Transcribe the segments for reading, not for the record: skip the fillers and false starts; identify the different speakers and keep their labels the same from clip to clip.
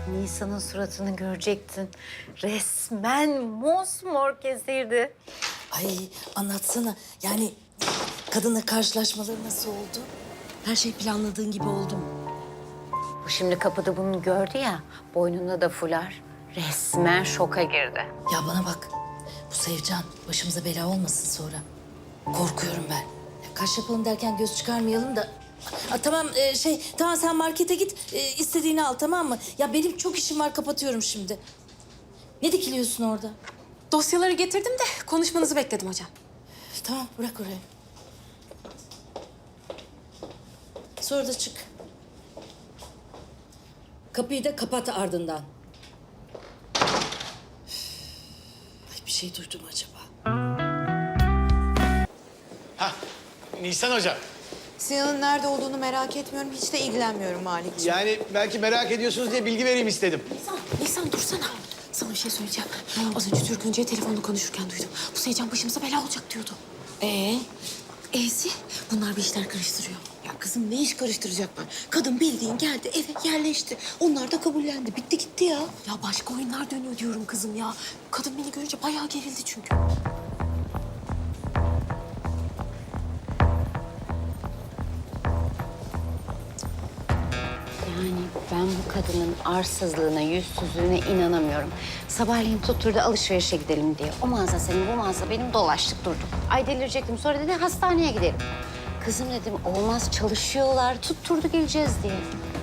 Speaker 1: Nisan'ın suratını görecektin. Resmen mosmor kesirdi.
Speaker 2: Ay anlatsana. Yani kadınla karşılaşmaları nasıl oldu? Her şey planladığın gibi oldu mu?
Speaker 1: Bu şimdi kapıda bunu gördü ya, boynunda da fular. Resmen şoka girdi.
Speaker 2: Ya bana bak. Bu Sevcan başımıza bela olmasın sonra. Korkuyorum ben. Ya kaş yapalım derken göz çıkarmayalım da. Tamam tamam sen markete git. İstediğini al, tamam mı? Ya benim çok işim var, kapatıyorum şimdi. Ne dikiliyorsun orada?
Speaker 3: Dosyaları getirdim de konuşmanızı bekledim hocam.
Speaker 2: Tamam, bırak oraya. Sonra da çık. Kapıyı da kapat ardından. Ay, bir şey duydum acaba?
Speaker 4: Hah, Nisan Hocam.
Speaker 5: Sinan'ın nerede olduğunu merak etmiyorum. Hiç de ilgilenmiyorum Malikciğim.
Speaker 4: Yani belki merak ediyorsunuz diye bilgi vereyim istedim.
Speaker 3: Nisan dursana. Sana bir şey söyleyeceğim. Az önce Türk Öncü'ye telefonla konuşurken duydum. Bu Seycan başımıza bela olacak diyordu. E'si bunlar bir işler karıştırıyor.
Speaker 5: Ya kızım ne iş karıştıracaklar? Kadın bildiğin geldi eve yerleşti. Onlar da kabullendi. Bitti gitti ya.
Speaker 3: Ya başka oyunlar dönüyor diyorum kızım ya. Kadın beni görünce bayağı gerildi çünkü.
Speaker 1: Yani ben bu kadının arsızlığına, yüzsüzlüğüne inanamıyorum. Sabahleyin tutturdu alışverişe gidelim diye. O mağaza senin, bu mağaza benim, dolaştık durduk. Ay delirecektim. Sonra dedi hastaneye gidelim. Kızım dedim olmaz, çalışıyorlar. Tutturdu geleceğiz diye.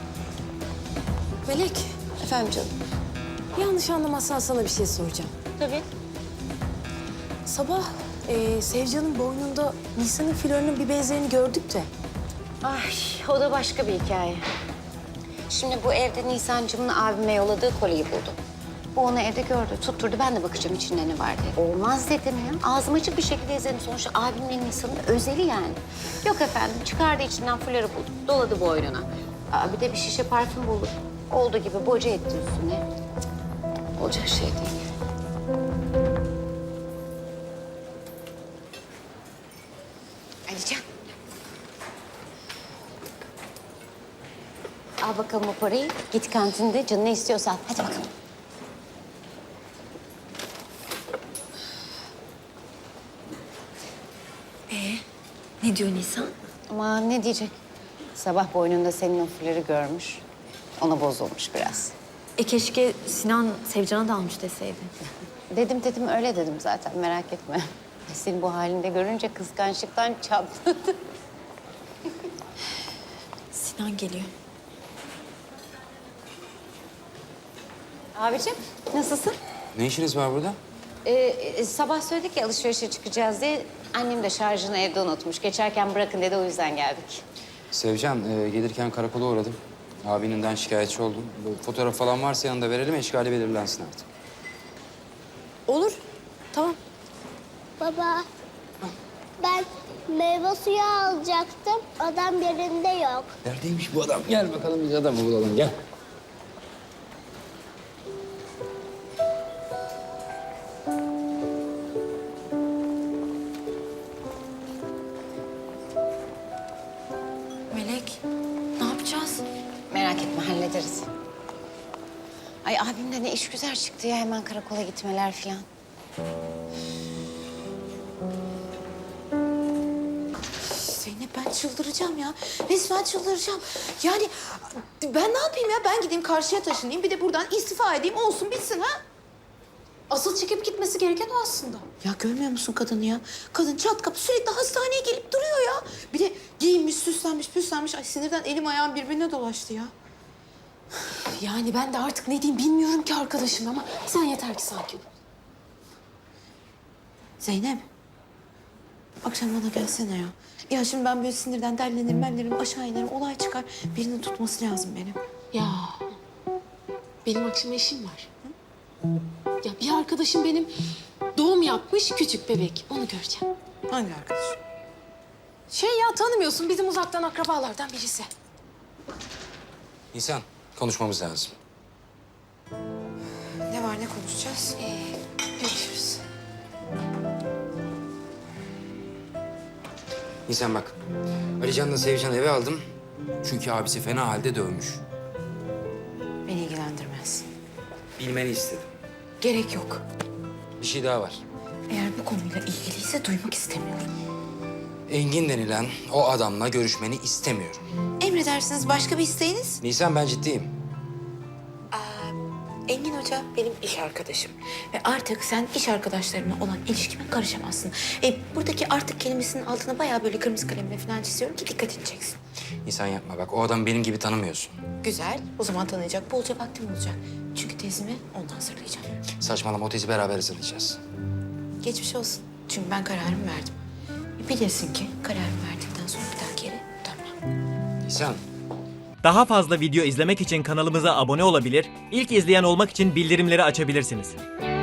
Speaker 3: Melek,
Speaker 5: Efendim canım.
Speaker 3: yanlış anlamazsan sana bir şey soracağım.
Speaker 1: Tabii.
Speaker 3: Sabah Sevcan'ın boynunda Nisan'ın flörünün bir benzerini gördük de.
Speaker 1: Ay o da başka bir hikaye. Şimdi bu evde Nisancığımın abime yolladığı kolyeyi buldu. Bu onu evde gördü, tutturdu. Ben de bakacağım içinde ne var diye. Olmaz dedim ya. Ağzım açık bir şekilde izledim. Sonuçta abimle Nisan'ın özeli yani. Yok efendim, çıkardı içinden fuları buldu. Doladı boynuna. Bir de bir şişe parfüm buldu. Olduğu gibi boca etti üstüne. Cık, olacak şey değil. Alican. Al bakalım o parayı. Git kantinde canın ne istiyorsan. Hadi bakalım.
Speaker 3: Ne diyor Nisan?
Speaker 1: Ama ne diyecek? Sabah boynunda senin o fuları görmüş. Ona bozulmuş biraz.
Speaker 3: Keşke Sinan Sevcan'a da almış deseydi.
Speaker 1: Dedim öyle dedim zaten, merak etme. Seni bu halinde görünce kıskançlıktan çatladı.
Speaker 3: Sinan geliyor.
Speaker 1: Abicim nasılsın?
Speaker 6: Ne işiniz var burada?
Speaker 1: Sabah söyledik ya alışverişe çıkacağız diye. Annem de şarjını evde unutmuş. Geçerken bırakın dedi, o yüzden geldik.
Speaker 6: Sevcan, gelirken karakola uğradım. Abininden şikayetçi oldum. Bu fotoğraf falan varsa yanında verelim, eşkali belirlensin artık.
Speaker 3: Olur. Tamam.
Speaker 7: Baba, ben meyve suyu alacaktım. Adam yerinde yok.
Speaker 6: Neredeymiş bu adam? Gel bakalım biz adamı bulalım, gel.
Speaker 3: Melek, ne yapacağız?
Speaker 1: Merak etme, hallederiz. Ay abim de ne iş güzel çıktı ya, hemen karakola gitmeler falan.
Speaker 5: Zeynep ben çıldıracağım ya. Resmen çıldıracağım. Yani ben ne yapayım ya? Ben gideyim karşıya taşınayım. Bir de buradan istifa edeyim. Olsun bitsin ha.
Speaker 3: Asıl çekip gitmesi gereken o aslında.
Speaker 5: Ya görmüyor musun kadını ya? Kadın çat kapı sürekli hastaneye gelip duruyor ya. Bir de giyinmiş, süslenmiş, püslenmiş. Ay sinirden elim ayağım birbirine dolaştı ya.
Speaker 3: Yani ben de artık ne diyeyim bilmiyorum ki arkadaşım ama sen yeter ki sakin ol.
Speaker 5: Zeynep. Akşam bana gelsene ya. Ya şimdi ben böyle sinirden derlenirim, aşağı inerim. Olay çıkar. Birinin tutması lazım benim.
Speaker 3: Ya benim akşam eşim var. Ya bir arkadaşım benim doğum yapmış küçük bebek. Onu göreceğim.
Speaker 5: Hangi arkadaş?
Speaker 3: Şey ya tanımıyorsun bizim uzaktan akrabalardan birisi.
Speaker 6: Nisan, konuşmamız lazım.
Speaker 5: Ne var, ne konuşacağız?
Speaker 3: Görüşürüz.
Speaker 6: Nisan bak, Alican'la Sevcan'ı eve aldım. Çünkü abisi fena halde dövmüş.
Speaker 5: Beni ilgilendirmez.
Speaker 6: Bilmeni istedim.
Speaker 5: Gerek yok.
Speaker 6: Bir şey daha var.
Speaker 5: Eğer bu konuyla ilgiliyse duymak istemiyorum.
Speaker 6: Engin denilen o adamla görüşmeni istemiyorum.
Speaker 5: Emredersiniz, başka bir isteğiniz?
Speaker 6: Nisan, ben ciddiyim.
Speaker 5: Engin Hoca benim iş arkadaşım. Ve artık sen iş arkadaşlarımla olan ilişkime karışamazsın. Buradaki artık kelimesinin altına bayağı böyle kırmızı kalemle falan çiziyorum ki dikkatini çeksin.
Speaker 6: Nisan yapma bak, o adamı benim gibi tanımıyorsun.
Speaker 5: Güzel. O zaman tanıyacak bolca vaktim olacak. Çünkü tezimi ondan hazırlayacağım.
Speaker 6: Saçmalama, o tezi beraber hazırlayacağız.
Speaker 5: Geçmiş olsun. Çünkü ben kararımı verdim. Bilirsin ki kararımı verdikten sonra bir daha geri dönmem.
Speaker 6: Nisan.
Speaker 8: Daha fazla video izlemek için kanalımıza abone olabilir, ilk izleyen olmak için bildirimleri açabilirsiniz.